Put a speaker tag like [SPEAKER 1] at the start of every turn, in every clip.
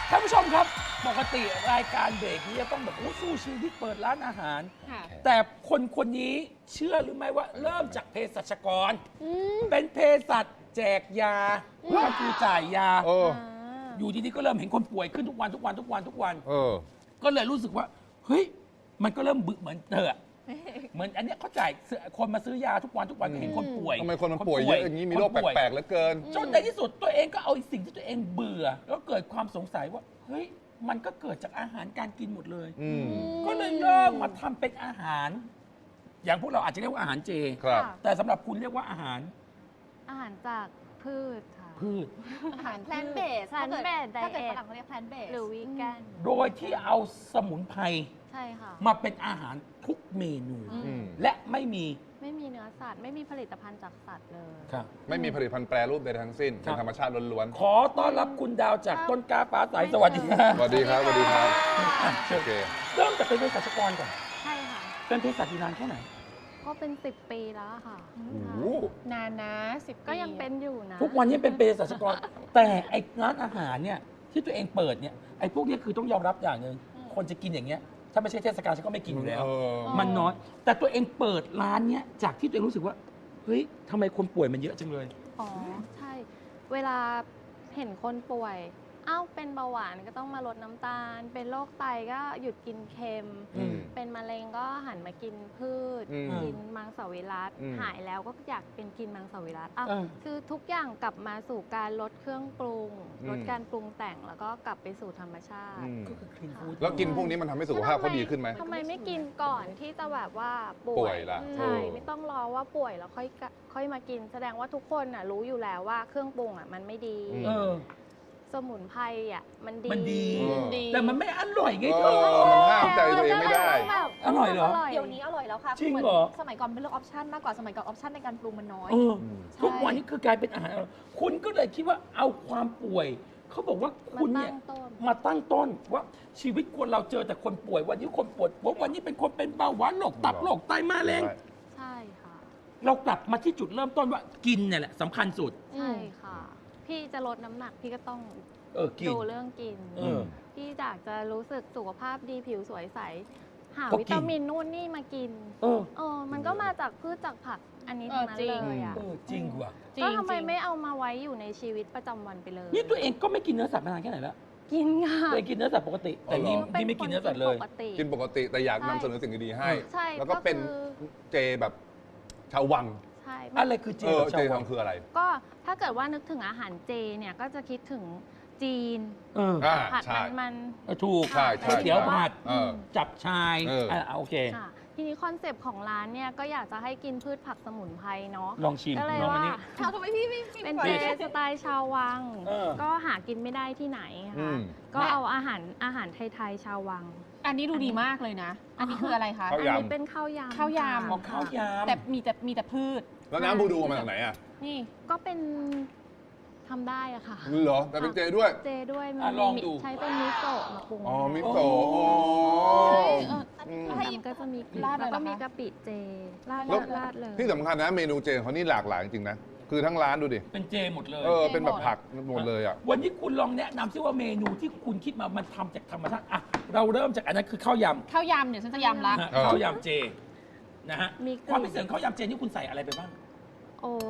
[SPEAKER 1] ท่านผู้ชมครับปกติรายการเบรกนี้จะต้องแบบสู้ชีวิตเปิดร้านอาหาร แต่คนนี้เชื่อหรือไม่ว่าเริ่มจากเภสัชกรเป็นเภสัชแจกยาก็คือจ่ายยาอยู่ดีๆก็เริ่มเห็นคนป่วยขึ้นทุกวันก็เลยรู้สึกว่าเฮ้ยมันก็เริ่มบึเหมือนเธอเหมือนอันเนี้ยเขาจ่ายคนมาซื้อยาทุกวันเห็นคนป่วย
[SPEAKER 2] ทำไมคนมันป่วยเยอะอย่างนี้มีโรคแปลกๆเหลือเกิน
[SPEAKER 1] จนในที่สุดตัวเองก็เอาสิ่งที่ตัวเองเบื่อแล้วเกิดความสงสัยว่าเฮ้ยมันก็เกิดจากอาหารการกินหมดเลยก็เลยเริ่มมาทำเป็นอาหาร อย่างพวกเราอาจจะเรียกว่าอาหารเจ แต่สำหรับคุณเรียกว่าอาหาร
[SPEAKER 3] จากพืชค่ะ
[SPEAKER 1] พืช
[SPEAKER 4] อาหารแพลนเบส
[SPEAKER 3] plant based
[SPEAKER 4] ถ้าเกิด
[SPEAKER 3] diet
[SPEAKER 4] ฝรั่งเขาเรียกแพลนเบส
[SPEAKER 3] หรือวีแกน
[SPEAKER 1] โดยที่เอาสมุนไพร
[SPEAKER 3] ใช่ค่ะ
[SPEAKER 1] มาเป็นอาหารทุกเมนู และไม่มี
[SPEAKER 3] เนื้อสัตว์ ไม่มีผลิตภัณฑ์จากสัตว์เลย
[SPEAKER 2] ไม่มีผลิตภัณฑ์แปรรูปใดทั้งสิ้นเป็นธรรมชาติล้วน
[SPEAKER 1] ขอต้อนรับคุณดาวจากต้นกล้าฟ้าใสสวัสดีครับ
[SPEAKER 2] ๆสวัสดีครับสวัสดีครับโอเค
[SPEAKER 1] เริ่มจากเป็นเภสัชกรก่อน
[SPEAKER 3] ใช่ค่ะ
[SPEAKER 1] เป็นเภสัชอยู่นานแค่ไหน
[SPEAKER 3] ก็เป็น10 ปีแล้วค่ะ
[SPEAKER 4] นานนะ10
[SPEAKER 3] ก็ยังเป็นอยู่นะ
[SPEAKER 1] ทุกวันนี้เป็นเภสัชกร แต่ไอ้ร้านอาหารเนี่ยที่ตัวเองเปิดเนี่ยไอ้พวกนี้คือต้องยอมรับอย่างหนึ่งคนจะกินอย่างเงี้ยถ้าไม่ใช่เทศกาลฉันก็ไม่กินอยู่แล้ว มันน้อย แต่ตัวเองเปิดร้านเนี้ยจากที่ตัวเองรู้สึกว่าเฮ้ยทำไมคนป่วยมันเยอะจังเลย
[SPEAKER 3] อ๋อ ใช่ เวลาเห็นคนป่วย เป็นเบาหวานก็ต้องมาลดน้ำตาล เป็นโรคไตก็หยุดกินเค็ม เป็นมะเร็งก็หันมากินพืช กินมังสวิรัติหายแล้วก็อยากเป็นกินมังสวิรัติคือทุกอย่างกลับมาสู่การลดเครื่องปรุง ลดการปรุงแต่งแล้วก็กลับไปสู่ธรรมชาติ
[SPEAKER 1] ก็คือคลีนฟู้ด
[SPEAKER 2] แล้วกินพวกนี้มันทำให้สุขภาพเขาดีขึ้นไหม
[SPEAKER 3] ทำไมไม่กินก่อนที่จะแบบว่าป่
[SPEAKER 2] ป่
[SPEAKER 3] ว
[SPEAKER 2] วย ยล่ะ
[SPEAKER 3] ใช่ ไม่ต้องรอว่าป่วยแล้วค่อยมากิน แสดงว่าทุกคนน่ะรู้อยู่แล้วว่าเครื่องปรุงมันไม่ดี สมุนไพรมันดี
[SPEAKER 1] มันดี แต่มันไม่อร่อยไงเธอ
[SPEAKER 2] มันห้ามใจตัวเองไม่ได้
[SPEAKER 1] อร่อยเหรอ
[SPEAKER 4] เดี๋ยวนี้อร่อยแล้วค่ะ
[SPEAKER 1] จริงเหรอ
[SPEAKER 4] สมัยก่อนเป็นเรื่องออปชั่นมากกว่าสมัยก่อนออปชั่นในการปรุงมันน้อย
[SPEAKER 1] ทุกวันนี้คือกลายเป็นอาหารคุณก็เลยคิดว่าเอาความป่วย เขาบอกว่าคุณเนี่ยมาตั้งต้นว่าชีวิตคนเราเจอแต่คนป่วย วันนี้คนป่วยวันนี้เป็นคนเป็นเบาหวานโรคตับโรคไตมะเร็ง
[SPEAKER 3] ใช่ค่ะ
[SPEAKER 1] เรากลับมาที่จุดเริ่มต้นว่ากินเนี่ยแหละสำคัญสุด
[SPEAKER 3] ใช่ค่ะ พี่จะลดน้ำหนักพี่ก็ต้อง
[SPEAKER 1] กิน
[SPEAKER 3] ดูเรื่องกิน พี่อยากจะรู้สึกสุขภาพดีผิวสวยใส หา
[SPEAKER 1] ก็กิน
[SPEAKER 3] วิตามินนู่นนี่มากิน มันก็มาจากพืชจากผักอันนี้ทั้งนั้นเลยอ่ะ
[SPEAKER 1] จริงว่ะ
[SPEAKER 3] ก็ทำไมไม่เอามาไว้อยู่ในชีวิตประจำวันไปเลย
[SPEAKER 1] นี่ตัวเองก็ไม่กินเนื้อสัตว์มานานแค่ไหนแล้ว
[SPEAKER 3] กินค่ะ
[SPEAKER 1] ตัวเองกินเนื้อสัตว์ปกติ แต่นี่ไม่กินเนื้อสัตว์เลย
[SPEAKER 2] กินปกติแต่อยากนำเสนอสิ่งดีๆให้
[SPEAKER 3] ใช่
[SPEAKER 2] แล้วก็เป็นเจแบบชาววัง
[SPEAKER 3] ใช่
[SPEAKER 1] อะไรคือเจ
[SPEAKER 2] เจทำคืออะไร
[SPEAKER 3] ก็ถ้าเกิดว่านึกถึงอาหารเจเนี่ยก็จะคิดถึงจีน ผัด
[SPEAKER 2] ใช่
[SPEAKER 3] มัน
[SPEAKER 1] ถูก
[SPEAKER 2] ใช่ใช่
[SPEAKER 1] ก๋วยเตี๋ยวผัด จับชาย โอเค
[SPEAKER 3] ค่ะทีนี้คอนเซปต์ของร้านเนี่ยก็อยากจะให้กินพืชผักสมุนไพรเนาะ
[SPEAKER 1] ลองชิม
[SPEAKER 3] ก็เลย
[SPEAKER 1] ลองอัน
[SPEAKER 3] ว่า
[SPEAKER 1] นี้
[SPEAKER 4] ทำไมพี่ไม่
[SPEAKER 3] เป็นเจสไตล์ชาววัง ก็หากินไม่ได้ที่ไหนค่ะก็เอาอาหารไทยๆชาววัง
[SPEAKER 4] อันนี้ดูดีมากเลยนะ อันนี้คืออะไรคะ
[SPEAKER 2] ข้า
[SPEAKER 3] อั
[SPEAKER 2] วน ยำ
[SPEAKER 3] นี้เป็นข้าวยำ
[SPEAKER 4] ข้าวยำ
[SPEAKER 3] ค่ะ
[SPEAKER 1] ข้าวยำ
[SPEAKER 4] แต่มีแต่พืช
[SPEAKER 2] แล้วน้ำบูดูมาจากไหนอ่ะ
[SPEAKER 4] นี่
[SPEAKER 3] ก็เป็นทำได้อะค่ะ
[SPEAKER 2] เหรอแต่เป็นเจด้วย
[SPEAKER 3] เจด้วยมั
[SPEAKER 1] ลองดู
[SPEAKER 3] ใช้เป็นมิโซะมาปรุง
[SPEAKER 2] อ๋อมิโซะอ๋อ
[SPEAKER 3] ให้ก็จะมีกลิ่น
[SPEAKER 4] ราดเลย
[SPEAKER 3] แล้ว
[SPEAKER 4] เหรอ
[SPEAKER 3] ก็
[SPEAKER 4] คะ
[SPEAKER 3] มีกะปิเจราด
[SPEAKER 2] แล้ว
[SPEAKER 3] ราดเลย
[SPEAKER 2] ที่สำคัญนะเมนูเจเขานี่หลากหลายจริงๆนะ คือทั้งร้านดูดิ
[SPEAKER 1] เป็นเจหมดเลย
[SPEAKER 2] เป็นแบบผักหมดเลยอ่ะ
[SPEAKER 1] วันนี้คุณลองแนะนำซิว่าเมนูที่คุณคิดมามันทำจากธรรมชาติเราเริ่มจากอันนั้นคือข้าวยำ
[SPEAKER 4] ข้าวยำเดี๋ยวฉันจะยำละ
[SPEAKER 1] ข้าวยำเจนะฮะ
[SPEAKER 3] มี
[SPEAKER 1] ความพิเศษของข้าวยำเจนี่คุณใส่อะไรไปบ้าง
[SPEAKER 3] โอ้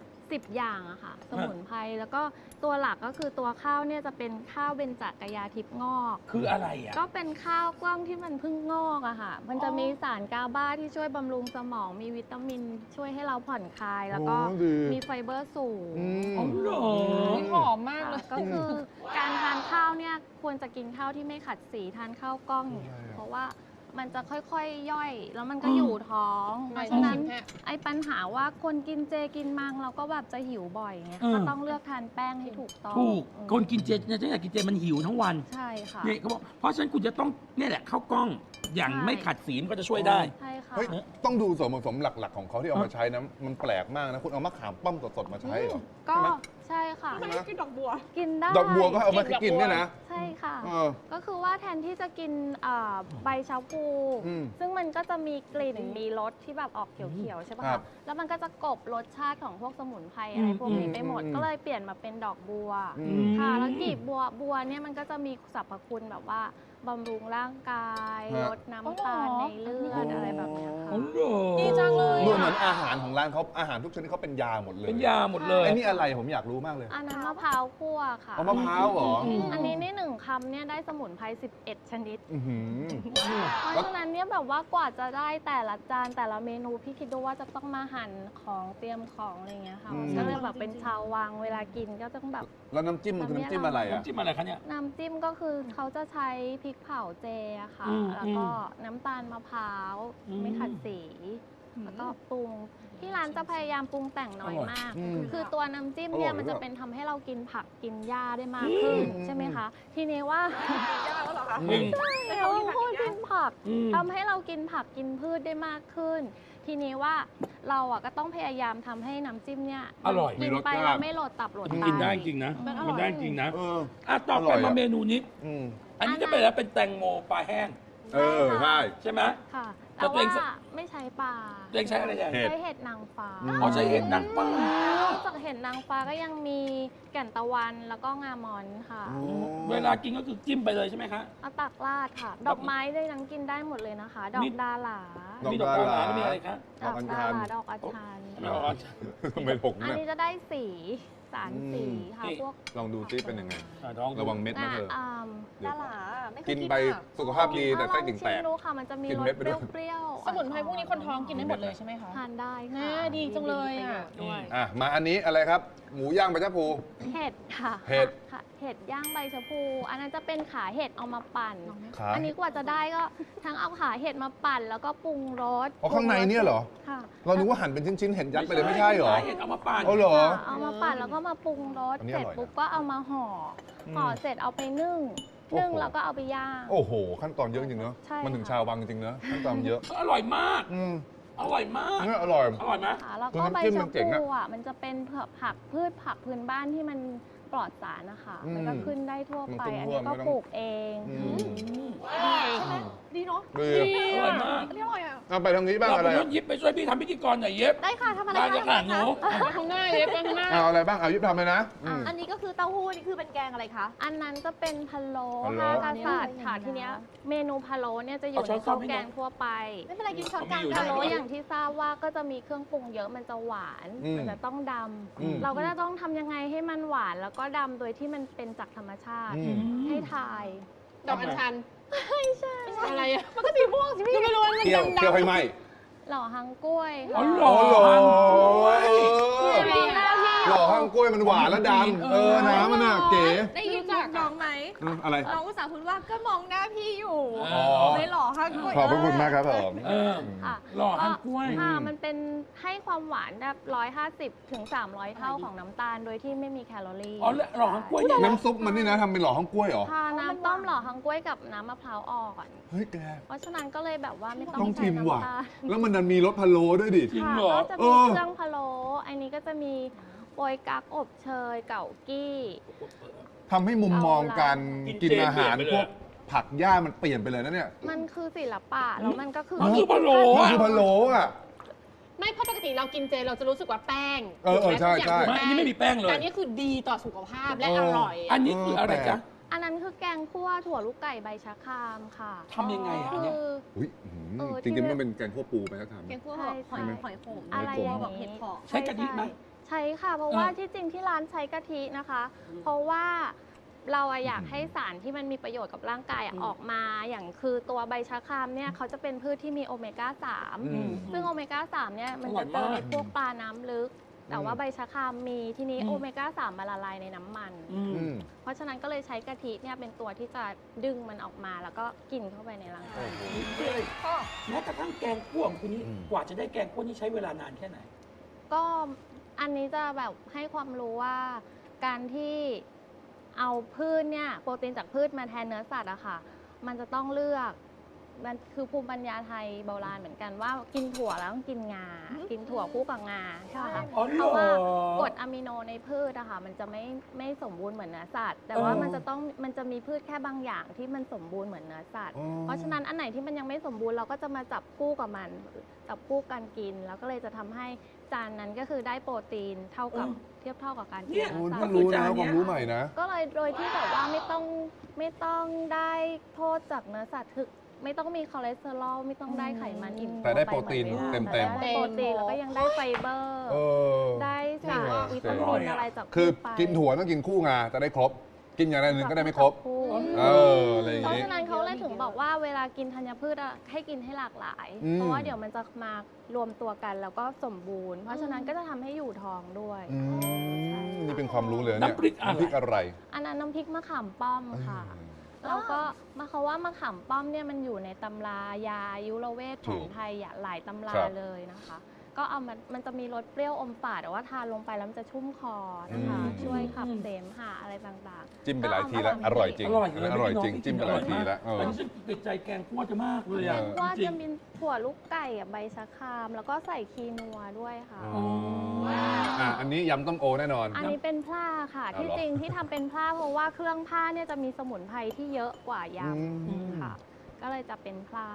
[SPEAKER 3] 10 อย่างอะค่ะ สมุนไพรแล้วก็ตัวหลักก็คือตัวข้าวเนี่ยจะเป็นข้าวเบญจกยาทิพย์งอก
[SPEAKER 1] คืออะไรอ่ะ
[SPEAKER 3] ก็เป็นข้าวกล้องที่มันเพิ่งงอกอะค่ะ มันจะมีสารกาบาที่ช่วยบำรุงสมอง มีวิตามินช่วยให้เราผ่อนคลาย แล้วก็
[SPEAKER 2] โอ้ดี
[SPEAKER 3] มีไฟเบอร์สูง
[SPEAKER 1] อ๋อเหรอ
[SPEAKER 4] หอมมากเลย
[SPEAKER 3] ก็คือการทานข้าวเนี่ยควรจะกินข้าวที่ไม่ขัดสีทานข้าวกล้อง เพราะว่ามันจะค่อยๆย่อย แล้วมันก็อยู่ท้องเพราะฉะนั้นไอ้ปัญหาว่าคนกินเจกินมังเราก็แบบจะหิวบ่อยไงก็ต้องเลือกทานแป้งให้ถูกต้อง
[SPEAKER 1] ถูก คนกินเจเนี่ยฉันอยากกินเจมันหิวทั้งวัน
[SPEAKER 3] ใช่ค่ะ
[SPEAKER 1] นี่เขาบอกเพราะฉะนั้นคุณจะต้องเนี่ยแหละข้าวกล้องอย่างไม่ขัดสีมันก็จะช่วยได้
[SPEAKER 3] ใช่ค่ะ
[SPEAKER 2] เฮ้ยต้องดูส่วนผสมหลักๆของเขาที่เอามาใช้นะมันแปลกมากนะคุณเอามะขามป้อมสดๆมาใช้เหรอ
[SPEAKER 3] ก็
[SPEAKER 2] ใช่ไหม
[SPEAKER 3] ใช่ค่ะ
[SPEAKER 2] ใช่ไหม
[SPEAKER 4] กินดอกบัว
[SPEAKER 3] กินได้
[SPEAKER 2] ดอกบัวก็เอามากินเนี่ยนะ
[SPEAKER 3] ใช่ค่ะก็คือว่าแทนที่จะกินใบชาพูซึ่งมันก็จะมีกลิ่นมีรสที่แบบออกเขียวๆใช่ปะคะแล้วมันก็จะกลบรสชาติของพวกสมุนไพรอะไรพวกนี้ไปหมดก็เลยเปลี่ยนมาเป็นดอกบัวค่ะแล้วกลีบบัวเนี่ยมันก็จะมีสรรพคุณแบบว่าบำรุงร่างกายลดน้ำตาลในเลือดอะไรแบบเนี้ยค่ะ
[SPEAKER 4] ดีจังเลย
[SPEAKER 2] ดูเหมือนอาหารของร้านเขาอาหารทุกชนิดเขาเป็นยาหมดเลย
[SPEAKER 1] เป็นยาหมดเลย
[SPEAKER 2] ไอ้นี่อะไรผมอยากรู้มากเลย
[SPEAKER 3] อันนั้นมะพร้าวคั่วค่ะ
[SPEAKER 2] เอามะพร้าวเหรอ
[SPEAKER 3] อันนี้ใน1 คำเนี่ยได้สมุนไพร11 ชนิด
[SPEAKER 2] อื้อหือ
[SPEAKER 3] เพราะฉะนั้นเนี่ยแบบว่ากว่าจะได้แต่ละจานแต่ละเมนูพี่คิดดูว่าจะต้องมาหั่นของเตรียมของอะไรเงี้ยค่ะก็เลยแบบเป็นชาววังเวลากินก็ต้องแบบ
[SPEAKER 2] แล้วน้ำจิ้มมันคือน้ำจิ้มอะไรอ่ะ
[SPEAKER 1] น้ำจิ้มอะไรคะเนี่ย
[SPEAKER 3] น้ำจิ้มก็คือเขาจะใช้พริกเผาเจอะค่ะ แล้วก็น้ำตาลมะพร้าวไม่ขัดสี แล้วก็ปรุงที่ร้านจะพยายามปรุงแต่งน้อยมาก คือตัวน้ำจิ้มเนี่ยมันจะเป็นทำให้เรากินผักกินหญ้าได้มากขึ้นใช่ไหมคะ ทีนี้ว่าเราพูดกินผักทำให้เรากินผักกินพืชได้มากขึ้น ทีนี้ว่าเราอ่ะก็ต้องพยายามทำให้น้ำจิ้มเนี่ย
[SPEAKER 1] อร่อย
[SPEAKER 3] กินไปแล้วไม่โหลดตับโหลดไต
[SPEAKER 1] กินได้จริงนะ มันได้จริงนะต่อ
[SPEAKER 2] อร่
[SPEAKER 1] ไป
[SPEAKER 2] อยอะ
[SPEAKER 1] มาเมนูนี้ อันนี้จะเป็นอะไรเป็นแตงโมปลาแห้ง
[SPEAKER 2] ใช่
[SPEAKER 1] ใช่ไหม
[SPEAKER 3] ค่ะ
[SPEAKER 1] แต่
[SPEAKER 3] แต่
[SPEAKER 1] ตัวเอง
[SPEAKER 3] ว่าไม่ใช้ปลา
[SPEAKER 1] ตัวเองใช้อะไรอย่าง
[SPEAKER 2] เห็ด
[SPEAKER 3] ใช้เห็ดนางฟ้า
[SPEAKER 1] อ๋อใช้เห็ดนางฟ้า
[SPEAKER 3] นอกจากเห็ดนางฟ้าก็ยังมีแก่นตะวันแล้วก็งามอนค่ะ
[SPEAKER 1] เวลากินก็คือจิ้มไปเลยใช่ไหมคะ
[SPEAKER 3] เอาตักราดค่ะ ดอกไม้ได้ทั้งกินได้หมดเลยนะคะ ดอกดาหลา
[SPEAKER 2] ดอก
[SPEAKER 1] มีดอกกาหลาแล้วมีอะไรคะ
[SPEAKER 2] ดอกอัญชัน
[SPEAKER 3] ดอกอัญชัน
[SPEAKER 1] ไม่ออก
[SPEAKER 2] ทำไมผม
[SPEAKER 3] อัน
[SPEAKER 2] เนี่ย
[SPEAKER 3] นี้จะได้สีสารสีค่ะ
[SPEAKER 1] นี่
[SPEAKER 3] พวก
[SPEAKER 2] ลองดูซิเป็นยังไง
[SPEAKER 1] ท้อง
[SPEAKER 2] ระวังเม็ดนะเธอ เดี๋ยว
[SPEAKER 4] ดาราไม่เคย
[SPEAKER 2] กิน
[SPEAKER 4] กิน
[SPEAKER 2] ไป
[SPEAKER 4] อะ
[SPEAKER 2] สุขภาพดีแต่ไส้ติ่งแต
[SPEAKER 3] ชิ
[SPEAKER 2] ก
[SPEAKER 3] มดูค่ะ มันจะมี
[SPEAKER 2] กิน
[SPEAKER 3] ร
[SPEAKER 2] เม็
[SPEAKER 3] ส
[SPEAKER 2] ดไปด้วย
[SPEAKER 3] เปรี้ยวๆ
[SPEAKER 4] สมุนไพรพวกนี้คนท้องกินได้หมดเลยใช่ไหมคะ
[SPEAKER 3] ทานได้
[SPEAKER 4] น่า
[SPEAKER 3] ค่ะ
[SPEAKER 4] ดีจังเลยอะ
[SPEAKER 3] ด้วย
[SPEAKER 2] มาอันนี้อะไรครับ หมูย่างใบชะพู
[SPEAKER 3] เห็ดค่ะ
[SPEAKER 2] เห็ด
[SPEAKER 3] ค่ะ เห็ดย่างใบชะพู อันนั้นจะเป็นขาเห็ดเอามาปั่น
[SPEAKER 2] ขา
[SPEAKER 3] อันนี้กว่าจะได้ก็ทั้งเอาขาเห็ดมาปั่นแล้วก็ปรุงรส
[SPEAKER 2] อ๋อข้างในเนี่ยเหรอ
[SPEAKER 3] ค่ะ
[SPEAKER 2] เรานึกว่าหั่นเป็นชิ้นๆเห็นยัดไปเลยไม่ใช่เหรอ
[SPEAKER 1] เห็ดเอามาปั่น
[SPEAKER 2] อ๋อเหรอ
[SPEAKER 3] ค่ะเอามาปั่นแล้วก็มาปรุงรส
[SPEAKER 2] อันนี้
[SPEAKER 3] เสร็จ
[SPEAKER 2] อร่อยนะ
[SPEAKER 3] ปุ๊บก็เอามาห่ออห่อเสร็จเอาไปนึ่ง
[SPEAKER 2] โอ้โห
[SPEAKER 3] นึ่งแล้วก็เอาไปย่าง
[SPEAKER 2] โอ้โห ขั้นตอนเยอะจริงเนอะ
[SPEAKER 3] ใช่
[SPEAKER 2] มันถึง
[SPEAKER 3] ค่ะ
[SPEAKER 2] ชาววังจริงเนอะขั้นตอนเยอะ
[SPEAKER 1] อร่อยมาก
[SPEAKER 2] อืม
[SPEAKER 1] อร่อยมาก
[SPEAKER 2] เนี่ยอร่อย
[SPEAKER 1] อร่อยไหม
[SPEAKER 3] ค่ะแล้ว
[SPEAKER 2] คือ
[SPEAKER 3] ก็
[SPEAKER 2] น้ำ
[SPEAKER 3] ใบ
[SPEAKER 2] จิ้มมั
[SPEAKER 3] ชะ
[SPEAKER 2] นเจ๋งอะ
[SPEAKER 3] พูอ่ะมันจะเป็นผักพืชผักพื้นบ้านที่มันปลอดสารนะคะ มันก็ขึ้นได้ทั่วไป
[SPEAKER 2] มันขึ้น
[SPEAKER 3] อัน
[SPEAKER 2] ทั่ว
[SPEAKER 3] นี้ก็
[SPEAKER 2] ไม่ต้อง
[SPEAKER 3] ปลูกเอง
[SPEAKER 4] ดีเนาะ
[SPEAKER 2] ดี
[SPEAKER 1] อร่อยมาก
[SPEAKER 4] อันนี้อร่อยอ่ะ
[SPEAKER 2] เอาไปทางนี้บ้าง
[SPEAKER 1] เรา
[SPEAKER 2] อะไร
[SPEAKER 1] ไป
[SPEAKER 2] อะ
[SPEAKER 1] ยิบไปช่วยพี่ทำพิธีกรหน่อยเย็บ
[SPEAKER 3] ได้ค่ะทำอะไร
[SPEAKER 1] ได้จะ
[SPEAKER 3] คะ
[SPEAKER 1] ขาดหนู
[SPEAKER 4] ไปข้างหน้าเลยไปข้างหน้า
[SPEAKER 2] เอาอะไรบ้างเอายิบทำเลยนะม
[SPEAKER 5] อันนี้ก็คือเต้าหู้นี่คือเป็นแกงอะไรคะ
[SPEAKER 3] อันนั้นจะเป็นพะโล้
[SPEAKER 2] พะโล้
[SPEAKER 3] ห้ากษัตริย์ค่ะทีเนี้ยเมนูพะโล้เนี่ยจะอยู่
[SPEAKER 1] เอาช้
[SPEAKER 3] ใน
[SPEAKER 1] อน
[SPEAKER 3] ข้าว
[SPEAKER 1] ให้
[SPEAKER 3] แก
[SPEAKER 1] หน่อย
[SPEAKER 3] งทั่วไป
[SPEAKER 5] ไม่เป็นไรกินช้อนกลาง
[SPEAKER 1] เอามีอยู่
[SPEAKER 3] พะโล้
[SPEAKER 1] ได้
[SPEAKER 3] อย่างที่ทราบว่าก็จะมีเครื่องปรุงเยอะมันจะหวาน มันจะต้องดำเราก็จะต้องทำยังไงให้มันหวานแล้วก็ดำโดยที่มันเป็นจากธรรมชาติ
[SPEAKER 2] อืม
[SPEAKER 3] ให้ทาย
[SPEAKER 4] ดอกอัญชัน
[SPEAKER 3] ไม่ใช่
[SPEAKER 4] อะไรอ่ะ มันก็สีม่วงสิพี่ไม่รู้ว่ามัน
[SPEAKER 2] เคี่ยว
[SPEAKER 4] ดำ
[SPEAKER 2] เคี่ยวให้ไหม
[SPEAKER 3] หล่อฮังกล้วย
[SPEAKER 1] อ๋อ
[SPEAKER 3] ค่ะ
[SPEAKER 1] หล่อ
[SPEAKER 3] มีหน้าที่
[SPEAKER 2] หล่อข้างกล้วยมันหวานแล้วดำน้ำมันน่ะเก๋
[SPEAKER 5] ได้ยินจากน้องไหม
[SPEAKER 2] อะไร
[SPEAKER 5] น้องอุตส่าห์พูดว่าก็มองหน้าพี่อยู่
[SPEAKER 1] อ๋อ
[SPEAKER 5] เลยหล่อค่ะกล้วย
[SPEAKER 2] ขอบพระคุณมากครับผม
[SPEAKER 1] เออ
[SPEAKER 3] ค่ะ
[SPEAKER 1] หล่อฮังกล้วย
[SPEAKER 3] ค่ะมันเป็นให้ความหวานแบบ150 ถึง 300 เท่าของน้ำตาลโดยที่ไม่มีแคลอรี่
[SPEAKER 1] อ๋อหล่อฮังกล้วยเนี่ยนะ
[SPEAKER 2] น้ำซุปมันนี่นะทำเป็นหล่อข้างกล้วยเหรอ
[SPEAKER 3] ค่ะน้ำต้มหล่อฮังกล้วยกับน้ำมะพร้าวอ่อน
[SPEAKER 2] เฮ้ยแก
[SPEAKER 3] เพราะฉะนั้นก็เลยแบบว่าไม่ต้
[SPEAKER 2] ต้
[SPEAKER 3] อ
[SPEAKER 2] อง ง
[SPEAKER 3] ใช้
[SPEAKER 2] ชิมว่ะ
[SPEAKER 3] น้ำตาล
[SPEAKER 2] แล้วมันดันมีรสพะโล้ด้วยดิ
[SPEAKER 1] จริง
[SPEAKER 3] ค่ะ
[SPEAKER 1] เหรอ
[SPEAKER 3] ก็จะ
[SPEAKER 2] เอ
[SPEAKER 3] มี
[SPEAKER 2] อ
[SPEAKER 3] เครื่องพะโล้อันนี้ก็จะมีโปยกั๊กอบเชยเก่ากี้
[SPEAKER 2] ทำให้มุมมองการ
[SPEAKER 1] กิ
[SPEAKER 2] กิน
[SPEAKER 1] นเจ
[SPEAKER 2] อาหาร
[SPEAKER 1] เปลี่ยนไปเลย
[SPEAKER 2] พวกผักหญ้ามันเปลี่ยนไปเลยนะเนี่ย
[SPEAKER 3] มันคือศิลปะแล้วมันก็คือ
[SPEAKER 1] มันคือพะโล้
[SPEAKER 2] มัน
[SPEAKER 1] อะ
[SPEAKER 2] คือพะโล้อะ
[SPEAKER 4] ไม่เพราะปกติเรากินเจเราจะรู้สึกว่าแป้ง
[SPEAKER 2] เออใช่ใช่
[SPEAKER 4] ทุก
[SPEAKER 1] ไม่
[SPEAKER 4] ย่าง
[SPEAKER 1] อันนี้ไม่มีแป้งเลย
[SPEAKER 4] แต่อันนี้คือดีต่อสุขภาพและอร่อย
[SPEAKER 1] อันนี้คืออะไรจ๊ะ
[SPEAKER 3] อันนั้นคือแกงคั่วถั่วลูกไก่ใบชะครามค่ะ
[SPEAKER 1] ทำยังไงอะอัน
[SPEAKER 3] คื
[SPEAKER 1] เนี้ย
[SPEAKER 3] อ
[SPEAKER 2] อุ๊ย
[SPEAKER 3] เออ
[SPEAKER 2] จริงๆมันเป็นแกงคั่วปูไปแล้วทำ
[SPEAKER 5] แกงคั่ว
[SPEAKER 3] ใช่
[SPEAKER 5] หอย
[SPEAKER 3] ใช่
[SPEAKER 5] หอยขม
[SPEAKER 3] อะไรอย่าง
[SPEAKER 5] แบบ
[SPEAKER 3] นี้
[SPEAKER 5] เห็ดเผาะ
[SPEAKER 1] ใช้กะทิไหม
[SPEAKER 3] ใช่ค่ะ เพราะว่าที่จริงที่ร้านใช้กะทินะคะ เพราะว่าเราอะอยากให้สารที่มันมีประโยชน์กับร่างกายอะออกมา อย่างคือตัวใบชะครามเนี่ยเขาจะเป็นพืชที่มีโอเมก้า
[SPEAKER 2] อืม
[SPEAKER 3] 3 ซึ่งโอเมก้า 3 เนี่ยมันจะเจอในพวกปลาน้ำลึก แต่ว่าใบชะครามมีทีนี้โอเมก้า 3 มาละลายในน้ำมัน
[SPEAKER 1] อืม
[SPEAKER 2] อืม
[SPEAKER 3] เพราะฉะนั้นก็เลยใช้กะทิเนี่ยเป็นตัวที่จะดึงมันออกมาแล้วก็กินเข้าไปในร่างกาย
[SPEAKER 1] แม้กระทั่งแกงคั่วของคุณนี่
[SPEAKER 2] อืม
[SPEAKER 1] กว่าจะได้แกงคั่วนี่ใช้เวลานานแค่ไหน
[SPEAKER 3] ก็อันนี้จะแบบให้ความรู้ว่าการที่เอาพืชเนี่ยโปรตีนจากพืชมาแทนเนื้อสัตว์อะค่ะ มันจะต้องเลือกมันคือภูมิปัญญาไทยโบราณเหมือนกันว่ากินถั่วแล้วต้องกินงา กินถั่วคู่กับงาใช่ไหมคะ
[SPEAKER 1] อ๋อ
[SPEAKER 3] เพ
[SPEAKER 1] เหร
[SPEAKER 3] ราะว่าก
[SPEAKER 1] อ
[SPEAKER 3] รดอะมิโนในพืชอะค่ะมันจะไม่สมบูรณ์เหมือนเนื้อสัตว์แต่ว่ามันจะมีพืชแค่บางอย่างที่มันสมบูรณ์เหมือนเนื้อสัตว์
[SPEAKER 2] อ๋อ
[SPEAKER 3] เพราะฉะนั้นอันไหนที่มันยังไม่สมบูรณ์เราก็จะมาจับคู่กับมันจับคู่กันกิน แล้วก็เลยจะทำให้จานนั้นก็คือได้โปรตีนเท่ากับเทียบเท่ากับการกิน
[SPEAKER 1] เนี่ย
[SPEAKER 3] เนื้
[SPEAKER 2] โอ้
[SPEAKER 3] อสั
[SPEAKER 2] เพิ่
[SPEAKER 3] ต
[SPEAKER 2] ง
[SPEAKER 3] ว์
[SPEAKER 2] รู้นะความรู้ใหม่นะ
[SPEAKER 3] ก็เลยโดยที่แบบว่าไม่ต้องได้โทษจากเนื้อสัตว์คือไม่ต้องมีคอเลสเตอรอลไม่ต้องได้ไขมันอิ่ม
[SPEAKER 2] แต่ได้
[SPEAKER 3] ว
[SPEAKER 2] โปรตีน
[SPEAKER 3] หมือวลา
[SPEAKER 2] เต็มๆ
[SPEAKER 3] แต่ได้โปรตีนแล้วก็ยังได้ไฟเบอร์
[SPEAKER 2] เออ
[SPEAKER 3] ได้สารวิตามินอะไรจาก
[SPEAKER 2] คือ
[SPEAKER 3] พืชไป
[SPEAKER 2] กินถั่วต้องกินคู่งาจะได้ครบ กินอย่างใดหนึ่งก็ได้ไม่ครบ
[SPEAKER 3] คู่
[SPEAKER 2] เอออะไรอย่าง
[SPEAKER 3] เพราะ
[SPEAKER 2] นี้
[SPEAKER 3] ฉะนั้นเขาเลยถึงบอกว่าเวลากินธัญพืชอะให้กินให้หลากหลาย
[SPEAKER 2] อืม
[SPEAKER 3] เพราะว่าเดี๋ยวมันจะมารวมตัวกันแล้วก็สมบูรณ์ เพราะฉะนั้นก็จะทำให้อยู่ท้องด้วย
[SPEAKER 2] อืมนี่เป็นความรู้เลยเนี่ย
[SPEAKER 1] น้ำพริกอะไร
[SPEAKER 2] น้ำพริกอะไร
[SPEAKER 3] อันนั้นน้ำพริกมะขามป้อมค่ะ แล้วก็เขาว่ามะขามป้อมเนี่ยมันอยู่ในตำรายาอายุรเวทของไทยหลายตำรา
[SPEAKER 2] ครับ
[SPEAKER 3] เลยนะคะ ก็เอามันจะมีรสเปรี้ยวอมฝาดแต่ว่าทานลงไปแล้วมันจะชุ่มคอนะคะ ช่วยขับเสมหะอะไรต่างๆ
[SPEAKER 2] จิ้มไปหลายทีแล้ว อร่อยจริง
[SPEAKER 1] อร่อย
[SPEAKER 2] อันนั้นอร่อยจริง จิ้มไปหลายทีแล้ว
[SPEAKER 1] อันนี้ฉันติดใจแกงคั่วจะมากเลยอ่ะ
[SPEAKER 3] ว่า
[SPEAKER 1] จริ
[SPEAKER 3] จะ
[SPEAKER 1] ง
[SPEAKER 3] มีถั่วลูกไก่กับใบชะคราม แล้วก็ใส่คีนัวด้วยค่ะ
[SPEAKER 2] อ๋ออันนี้ยำต้มโอแน่นอน
[SPEAKER 3] อันนี้เป็นพร่าค่ะ
[SPEAKER 2] เอา
[SPEAKER 3] ที่
[SPEAKER 2] เหรอ
[SPEAKER 3] จริงที่ทำเป็นพร่าเพราะว่าเครื่องพร่าเนี่ยจะมีสมุนไพรที่เยอะกว่าย
[SPEAKER 2] อืม
[SPEAKER 3] ำค่ะ ก็เลยจะเป็นพร่าร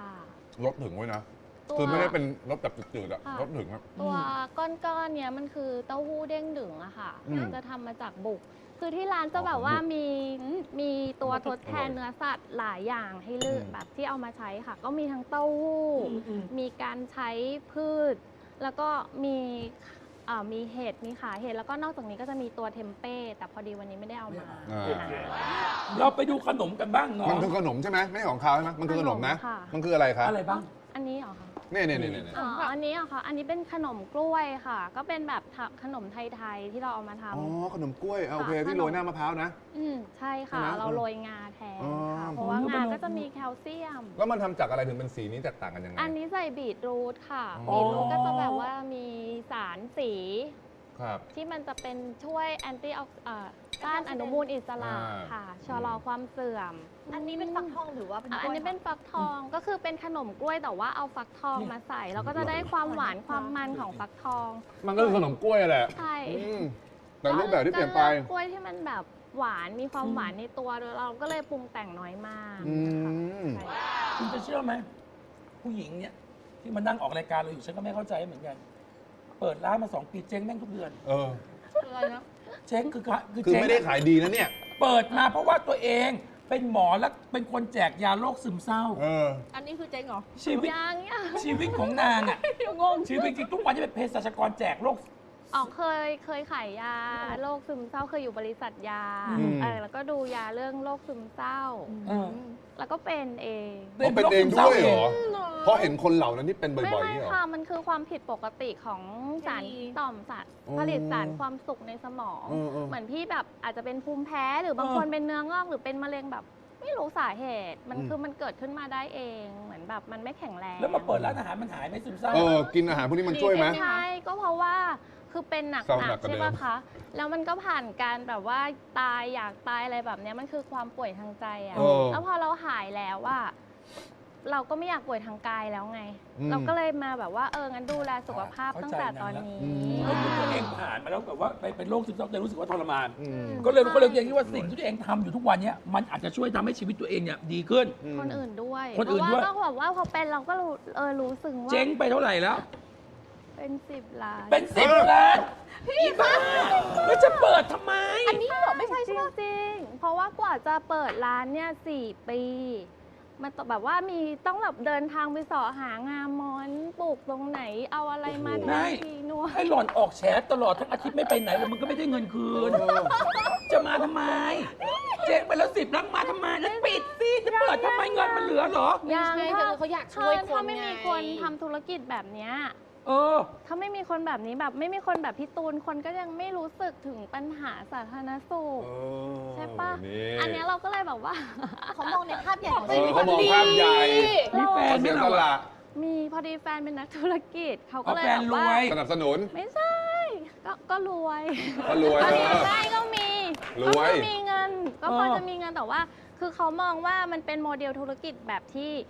[SPEAKER 2] สถึงไว้นะ
[SPEAKER 3] ตัว
[SPEAKER 2] คือไม่ได้เป็นรสแบบจืดๆอะ
[SPEAKER 3] ค่ะ
[SPEAKER 2] รสถึงอะ
[SPEAKER 3] ตัวก้อนๆเนี้ยมันคือเต้าหู้เด้งดึงอะค่ะ
[SPEAKER 2] อืม
[SPEAKER 3] จะทำมาจากบุก คือที่ร้านจะแบบว่ามีตัวทดแทนเนื้อสัตว์หลายอย่างให้เลือก
[SPEAKER 2] อืม
[SPEAKER 3] แบบที่เอามาใช้ค่ะ ก็มีทั้งเต้าหู้ มีการใช้พืช แล้วก็มีเห็ด มีขาเห็ด แล้วก็นอกจากนี้ก็จะมีตัวเทมเป้ แต่พอดีวันนี้ไม่ได้เอามา
[SPEAKER 2] อ่า
[SPEAKER 1] เราไปดูขนมกันบ้างเนาะ
[SPEAKER 2] มันคือขนมใช่ไหมไม่ใช่ของคาวใช่ไหมมันคือขนมนะ
[SPEAKER 3] ขนมค่ะ
[SPEAKER 2] มันคืออะไรคะ
[SPEAKER 1] อะไรบ้าง
[SPEAKER 3] อันนี้เหรอคะ
[SPEAKER 2] เนี่ย
[SPEAKER 3] อ๋ออันนี้เหรอคะอันนี้เป็นขนมกล้วยค่ะ ก็เป็นแบบขนมไทยๆที่เราเอามาทำ
[SPEAKER 2] อ๋อขนมกล้วยโอเค
[SPEAKER 3] ค่ะ
[SPEAKER 2] ที่โรยหน้ามะพร้าวนะ
[SPEAKER 3] ใช่ค่ะ
[SPEAKER 2] ใช่ไหม
[SPEAKER 3] เราโรยงาแทน
[SPEAKER 2] อ๋อ
[SPEAKER 3] ค่ะ เพราะว่างาก็จะมีแคลเซียม
[SPEAKER 2] แล้วมันทำจากอะไรถึงเป็นสีนี้แตกต่างกันยังไง
[SPEAKER 3] อันนี้ใส่บีทรูทค่ะ
[SPEAKER 2] อ๋อ
[SPEAKER 3] บีทรูทก็จะแบบว่ามีสารสี
[SPEAKER 2] ครับ
[SPEAKER 3] ที่มันจะเป็นช่วยแอนตี้ต้านอนุมูลอิสระ
[SPEAKER 2] อ่า
[SPEAKER 3] ค่ะชะลอความเสื่อม
[SPEAKER 5] อันนี้เป็นฟักทองหรือว่าเป็น
[SPEAKER 3] อันนี้เป็นฟักทองก็คือเป็นขนมกล้วยแต่ว่าเอาฟักทองมาใส่ แล้วก็จะได้ความหวานความมันของฟักทอง
[SPEAKER 2] มันก็คือขนมกล้วยแหละ
[SPEAKER 3] ใช่
[SPEAKER 2] อืมแต่รูปแบบที่เปลี่ยนไป
[SPEAKER 3] ก็ลือกกล้วยที่มันแบบหวานมีความหวานในตัวเราก็เลยปรุงแต่งน้อยมาก
[SPEAKER 2] อืม
[SPEAKER 3] ค่ะ
[SPEAKER 1] คุณจะเชื่อไหมผู้หญิงเนี่ยที่มานั่งออกรายการเราอยู่ฉันก็ไม่เข้าใจเหมือนกัน เปิดร้านมา 2 ปีเจ๊งแม่งทุกเดือน
[SPEAKER 2] เออ
[SPEAKER 4] อะไรนะ
[SPEAKER 1] เจ๊งคือ
[SPEAKER 2] คือ
[SPEAKER 1] เจ๊ง
[SPEAKER 2] ไม่ได้ขายดีนะเนี่ย
[SPEAKER 1] เปิดมาเพราะว่าตัวเองเป็นหมอและเป็นคนแจกยาโรคซึมเศร้า
[SPEAKER 2] เออ
[SPEAKER 4] อันนี้คือเจ๊งเหรอ
[SPEAKER 1] ชีวิต
[SPEAKER 3] ยังเนี่ย
[SPEAKER 1] ชีวิตของนางอ่ะ
[SPEAKER 4] งง
[SPEAKER 1] ชีวิตจริงทุกวันจะเป็นเภสัชกรแจกโรค
[SPEAKER 3] อ๋อเคยขายยาโรคซึมเศร้าเคยอยู่บริษัทยา
[SPEAKER 2] อืม
[SPEAKER 3] แล้วก็ดูยาเรื่องโรคซึมเศร้า
[SPEAKER 1] เออ
[SPEAKER 3] แล้วก็เป็นเอง
[SPEAKER 2] เขาเป็นเองด้วยเหรอ เพราะเห็นคนเหล่านั้นที่เป็นบ่
[SPEAKER 3] ไม่
[SPEAKER 2] อยๆนี่เหรอ
[SPEAKER 3] ค่ะมันคือความผิดปกติของสารต่อมสาร
[SPEAKER 2] อ๋อ
[SPEAKER 3] ผลิตสารความสุขในสมอง
[SPEAKER 2] เออ
[SPEAKER 3] เหมือนพี่แบบอาจจะเป็นภูมิแพ้หรือบางคนเป็นเนื้องอกหรือเป็นมะเร็งแบบ ไม่รู้สาเหตุมันคือมันเกิดขึ้นมาได้เองเหมือนแบบมันไม่แข็งแรง
[SPEAKER 1] แล้วมาเปิดร้านอาหารมันหายไหมซึมเศร้า
[SPEAKER 2] เออ กินอาหารพวกนี้มันช่วยไหม
[SPEAKER 3] ใช่ก็เพราะว่าคือเป็นหนัก
[SPEAKER 2] เศร้าหนักกว่า
[SPEAKER 3] ใช่
[SPEAKER 2] เดิ
[SPEAKER 3] ปะ
[SPEAKER 2] ม
[SPEAKER 3] คะแล้วมันก็ผ่านการแบบว่าตายอยากตายอะไรแบบเนี้ยมันคือความป่วยทางใจอะ
[SPEAKER 2] เออ
[SPEAKER 3] แล้วพอเราหายแล้วว่า เราก็ไม่อยากป่วยทางกายแล้วไง
[SPEAKER 2] อืม
[SPEAKER 3] เราก็เลยมาแบบว่างั้นดูแลสุขภาพตั้งแต่ตอนนี้
[SPEAKER 2] อืม
[SPEAKER 1] แล้วตัวเองผ่านมาแล้วแบบว่าไปเป็นโรคซึมเศร้าแต่รู้สึกว่าทรมาน
[SPEAKER 2] อืม
[SPEAKER 1] ก็เลยยังคิดว่าสิ่งที่ตัวเองทำอยู่ทุกวันเนี้ยมันอาจจะช่วยทำให้ชีวิตตัวเองเนี่ยดีขึ้น
[SPEAKER 3] คนอื่นด้วย
[SPEAKER 1] คนอื่น
[SPEAKER 3] เพ
[SPEAKER 1] ด้วย
[SPEAKER 3] ราะว่าก็แบบว่าพอเป็นเราก็รู้สึกว่า
[SPEAKER 1] เจ๊งไปเท่าไหร่แล้ว
[SPEAKER 3] เป็น10 ล้าน
[SPEAKER 1] เป็น10 ล้านอีบ้าแล้วจะเปิดทำไม
[SPEAKER 3] อันนี้เหรอไม่ใช่ใช่จริงๆเพราะว่ากว่าจะเปิดร้านเนี่ย4 ปีมันแบบว่ามีต้องแบบเดินทางไปเสาะหางามอนปลูกตรงไหนเอาอะไรมา
[SPEAKER 1] โอ้โห
[SPEAKER 3] ทำทีนัว
[SPEAKER 1] ให้หล่อนออกแฉตลอดทั้งอาทิตย์ไม่ไปไหนเลยมึงก็ไม่ได้เงินคืน จะมาทำไม เจ๊งไปแล้ว10 ล้านมาทำไมแล้วปิดสิจะเปิดทำไมเงินมันเหลือเหรอ
[SPEAKER 3] ยัง
[SPEAKER 4] ไม่ใช่คือเขาอยากช่วยคน
[SPEAKER 3] ถ้าไม่มี
[SPEAKER 4] ไง
[SPEAKER 3] คนทำธุรกิจแบบเนี้ย
[SPEAKER 1] เออ
[SPEAKER 3] ถ้าไม่มีคนแบบนี้แบบไม่มีคนแบบพี่ตูนคนก็ยังไม่รู้สึกถึงปัญหาสาธารณสุข ใช่ปะ อันเนี้ยเราก็เลยแบบว่า
[SPEAKER 5] เขามองในภาพใหญ่ของ
[SPEAKER 2] เอ
[SPEAKER 5] ชี
[SPEAKER 2] อ
[SPEAKER 5] วิต
[SPEAKER 2] เขามองภาพใหญ่
[SPEAKER 1] มีแฟน
[SPEAKER 2] เขา
[SPEAKER 1] ไหม
[SPEAKER 2] เสียส
[SPEAKER 1] เรา
[SPEAKER 2] ละ
[SPEAKER 3] มีพอดีแฟนเป็นนักธุรกิจเขาก็
[SPEAKER 1] เอา
[SPEAKER 3] เลย
[SPEAKER 1] แฟน
[SPEAKER 3] แบบ
[SPEAKER 1] ร
[SPEAKER 3] ว่า
[SPEAKER 1] วย
[SPEAKER 2] สนับสนุน
[SPEAKER 3] ไม่ใช่ก็รวย
[SPEAKER 2] ก็รวย
[SPEAKER 3] ก็
[SPEAKER 2] เอ
[SPEAKER 3] มี
[SPEAKER 2] อ
[SPEAKER 3] ได้ก็มี
[SPEAKER 2] ร
[SPEAKER 3] ก็
[SPEAKER 2] วย
[SPEAKER 3] พอมีเงิน ก็พอ
[SPEAKER 1] เออ
[SPEAKER 3] จะมีเงินแต่ว่า คือเขามองว่ามันเป็นโมเดลธุรกิจแบบที่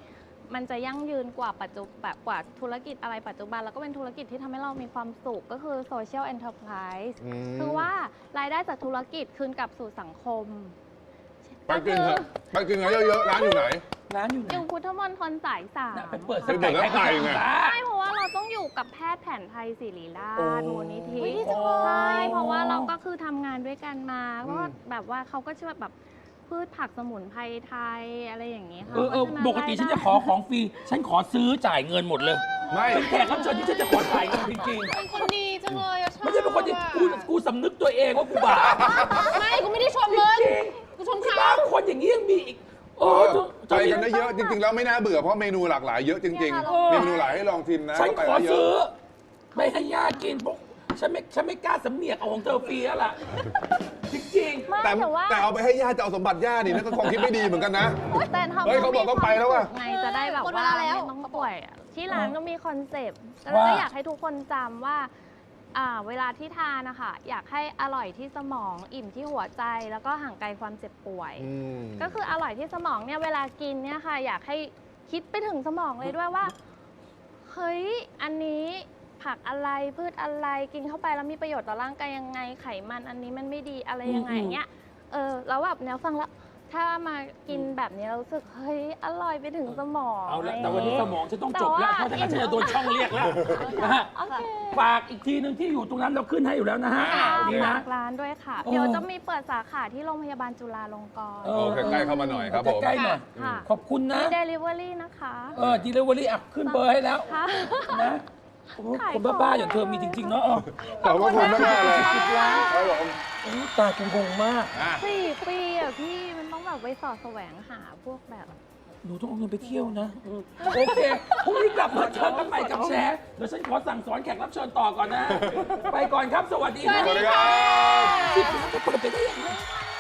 [SPEAKER 3] มันจะยั่งยืนกว่าปัจจุบันกว่าธุรกิจอะไรปัจจุบันแล้วก็เป็นธุรกิจที่ทำให้เรามีความสุขก็คือ social enterprise คือว่ารายได้จากธุรกิจคืนกลับสู่สังคม
[SPEAKER 2] ไปกินเถอะไปกินกันเยอะๆร้านอยู่ไหน
[SPEAKER 1] ร้านอยู่ไหน
[SPEAKER 3] อยู่พุทธมณฑลสายสาม
[SPEAKER 1] น่ะไปเปิด
[SPEAKER 2] ไปเปิดแล้วไก่ไง
[SPEAKER 3] ใช่เพราะว่าเราต้องอยู่กับแพทย์แผนไทยศิริราช
[SPEAKER 2] โอ้
[SPEAKER 3] มูลนิธิ
[SPEAKER 5] อุ๊ยดีจังเลย
[SPEAKER 3] ใช่เพราะว่าเราก็คือทำงานด้วยกันมาเพราะว่าแบบว่าเขาก็ช่วยแบบพืชผักสมุนไพรไทยอะไรอย่างนี้ค่ะ
[SPEAKER 1] ปกติฉันจะขอของฟรี ฉันขอซื้อจ่ายเงินหมดเลย
[SPEAKER 2] ไม่
[SPEAKER 1] เป็นแขกรับเชิญที่ฉันจะขอจ่ายเงินจริง
[SPEAKER 4] เป็นคนดีจังเลยอะช
[SPEAKER 1] ๆ
[SPEAKER 4] อบ
[SPEAKER 1] ไม่ใช่เป็นคนที่กูสำนึกตัวเองว่ากูบาป
[SPEAKER 4] ไม่กูไม่ได้ชมมึง
[SPEAKER 1] จริง
[SPEAKER 4] กูชม
[SPEAKER 1] ที่
[SPEAKER 4] เขา
[SPEAKER 1] บ้านคนอย่างนี้ยังมีอีก
[SPEAKER 2] ไปกันได้เยอะจริงๆแล้วไม่น่าเบื่อเพราะเมนูหลากหลายเยอะจริงๆมีเมนูหลายให้ลองชิมนะ
[SPEAKER 1] ฉัน
[SPEAKER 2] ไป
[SPEAKER 1] ขอ
[SPEAKER 2] แล้วเย
[SPEAKER 1] ซื้อ
[SPEAKER 2] อะ
[SPEAKER 1] ไม่ให้ย่ากินพวกฉันไม่กล้าสำเนียกเอาของเธอฟรีแล้วล่ะ จริง
[SPEAKER 3] ไม่
[SPEAKER 2] แต่
[SPEAKER 3] แต่ว่า
[SPEAKER 2] แต่เอาไปให้ย่าจะเอาสมบัติย่านี่นั่นก็ความคิดไม่ดีเหมือนกันนะ
[SPEAKER 3] แต่ทำ
[SPEAKER 2] เฮ้ยเขาบอกต้องไปแล้วว่ะ
[SPEAKER 3] ไงจะได้แบบ
[SPEAKER 5] หมดเว
[SPEAKER 3] ว่า
[SPEAKER 5] ลาแล้ว
[SPEAKER 3] ไม่ต้องป่วยอะที่ร้านก็มีคอนเซปต์แล้ว
[SPEAKER 1] ว่า
[SPEAKER 3] ก็อยากให้ทุกคนจำว่าเวลาที่ทานนะคะอยากให้อร่อยที่สมองอิ่มที่หัวใจ แล้วก็ห่างไกลความเจ็บป่วย ก็คืออร่อยที่สมองเนี่ยเวลากินเนี่ยค่ะอยากให้คิดไปถึงสมองเลยด้วยว่าเฮ้ยอันนี้ผักอะไรพืชอะไรกินเข้าไปแล้วมีประโยชน์ต่อร่างกายยังไงไขมันอันนี้มันไม่ดีอะไรยังไงอย่างเงี้ยแล้วแบบแนวฟังแล้วถ้ามากินแบบนี้เรารู้สึกเฮ้ยอร่อยไปถึงสมอง
[SPEAKER 1] ๆ เอาละ
[SPEAKER 3] ะไร
[SPEAKER 1] แต่วันนี้สมองฉันต้องจบแล้วเพราะถ้างั้นฉันจะโดนช่องเรียกแล้วนะฮะ
[SPEAKER 3] โอเค
[SPEAKER 1] ฝากอีกทีหนึ่งที่อยู่ตรงนั้นเราขึ้นให้อยู่แล้วนะฮะ
[SPEAKER 3] ค่ะ
[SPEAKER 1] ดีนะ
[SPEAKER 3] ฝากร้านด้วยค่ะ
[SPEAKER 1] โอ้
[SPEAKER 3] เดี๋ยวจะมีเปิดสาขาที่โรงพยาบาลจุฬาลงกรณ์
[SPEAKER 1] เอ
[SPEAKER 2] โอเคใกล้เข้ามาหน่อยครับผม
[SPEAKER 1] ใกล้ๆหน่อย
[SPEAKER 3] ค่ะ
[SPEAKER 1] ขอบคุณนะ
[SPEAKER 3] มี delivery นะคะ
[SPEAKER 1] delivery อ่ะขึ้นเบอร์ให้แล้ว
[SPEAKER 3] ค่ะ
[SPEAKER 1] นะโอ้โห
[SPEAKER 3] ขาย
[SPEAKER 1] คนบ้าๆอย่างเธอมีจริง ๆ เนาะ
[SPEAKER 2] ขอบพระคุณมากๆเลย
[SPEAKER 1] 10 ล้าน
[SPEAKER 2] ครับผม
[SPEAKER 1] โอ้โหตากูงงมาก
[SPEAKER 2] อ่ะ
[SPEAKER 3] 4 ปีอ่ะพี่มันต้องแบบไปสอดแสวงหาพวกแบบ
[SPEAKER 1] หนูต้องเอาเงินไปเที่ยวนะโอเคพรุ่งนี้กลับมาเจอกันใหม่กับแชร์เดี๋ยวฉันขอสั่งสอนแขกรับเชิญต่อก่อนนะ ไปก่อนครับ สวัสดี
[SPEAKER 2] สวัสดีครับ
[SPEAKER 1] 10 ล้านจะเปิดไปได้ยังไง